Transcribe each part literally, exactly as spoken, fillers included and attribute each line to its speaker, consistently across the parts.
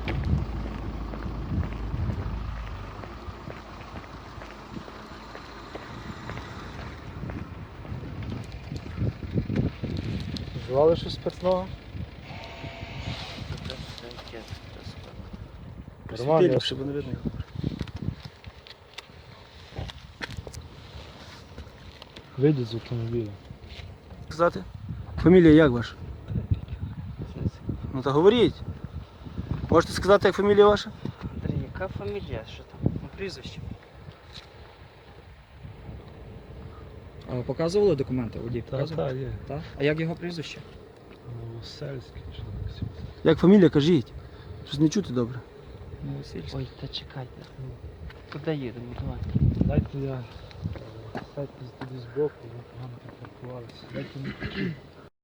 Speaker 1: Вживали щось спиртного? Нормально, щоб не видно. Вийдіть з автомобіля. Сказати? Фамілія як ваша? Ну та говоріть. Можете сказати, як фамілія ваша?
Speaker 2: Яка фамілія? Що там? Ну, прізвище.
Speaker 3: А ви показували документи? Водій
Speaker 1: Так,
Speaker 3: показував?
Speaker 1: так, є.
Speaker 3: Так? А як його прізвище?
Speaker 1: Новосельський чи так.
Speaker 4: Як фамілія, кажіть. Щось не чути добре.
Speaker 3: Новосільський.
Speaker 2: Ой, та чекайте. Куди їдемо? Давай.
Speaker 1: Дайте я. Дайте туди збоку, ви погано припаркувалися. Дайте мені.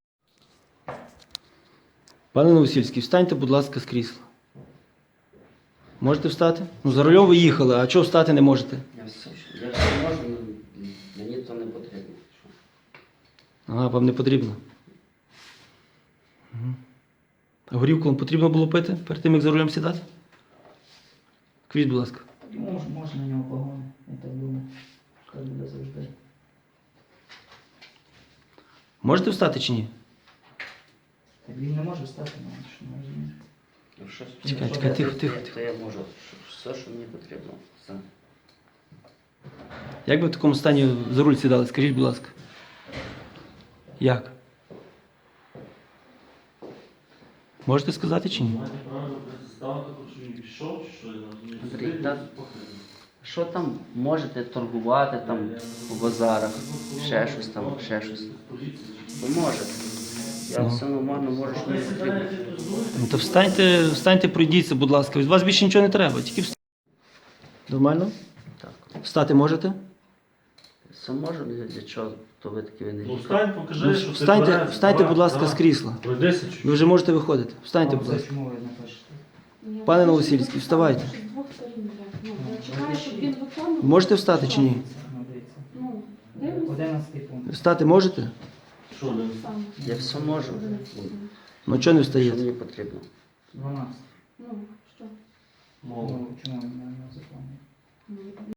Speaker 4: Пане Новосільський, встаньте, будь ласка, з крісла. Можете встати? Ну, за рулем ви їхали, а чого встати не можете?
Speaker 5: Я все, я все можу, але мені то не потрібно.
Speaker 4: Ага, вам не потрібно. Угу. А горівку вам потрібно було пити перед тим, як за рулем сідати? Квіть, будь ласка.
Speaker 3: Мож, можна на нього погони, я так думаю. Так буде завжди.
Speaker 4: Можете встати чи ні?
Speaker 3: Так він не може встати, ну, що не розумієш.
Speaker 5: Ну, що,
Speaker 4: Чекай,
Speaker 5: що
Speaker 4: чекай,
Speaker 5: я-
Speaker 4: тихо,
Speaker 5: то-
Speaker 4: тихо,
Speaker 5: то
Speaker 4: тихо.
Speaker 5: я можу, що- все, що мені потрібно. Все.
Speaker 4: Як ви в такому стані за руль сідали? Скажіть, будь ласка. Як? Можете сказати чи ні?
Speaker 5: Андрій, та що там можете торгувати там у базарах, ще щось там, ще щось. Ви можете. Я
Speaker 4: Ну.
Speaker 5: все нормально можу, що мені потрібно.
Speaker 4: Ну то встаньте, встаньте, пройдіться, будь ласка. Від вас більше нічого не треба, тільки встаньте. Нормально?
Speaker 5: Так.
Speaker 4: Встати можете?
Speaker 5: Все можу, для, для чого то ви такі
Speaker 6: Ну
Speaker 5: винні?
Speaker 6: встань, покажи,
Speaker 4: Ну,
Speaker 6: що ти
Speaker 4: встаньте,
Speaker 6: тверезий.
Speaker 4: встаньте,
Speaker 6: Давай,
Speaker 4: будь ласка,
Speaker 6: давай.
Speaker 4: з крісла.
Speaker 6: Пройдися чуть-чуть.
Speaker 4: Ви вже можете виходити. Встаньте, будь ласка.
Speaker 3: Чому ви не пишете?
Speaker 4: Пане Новосільський, вставайте.
Speaker 7: З двох сторін йде. Ну, я чекаю, щоб він виконував.
Speaker 4: Можете встати чи ні?
Speaker 3: Ну, дивіться.
Speaker 7: Ну, дивлюся.
Speaker 3: Одинадцятий пункт.
Speaker 4: Встати можете?
Speaker 6: Що, Лен?
Speaker 7: Саме.
Speaker 5: Я все можу.
Speaker 4: Ну чого не
Speaker 5: Що
Speaker 4: встаєте?
Speaker 5: мені потрібно?
Speaker 3: дванадцять.
Speaker 7: Ну, що?
Speaker 6: Мова.
Speaker 3: Ну, чому він не законний?
Speaker 7: Ну,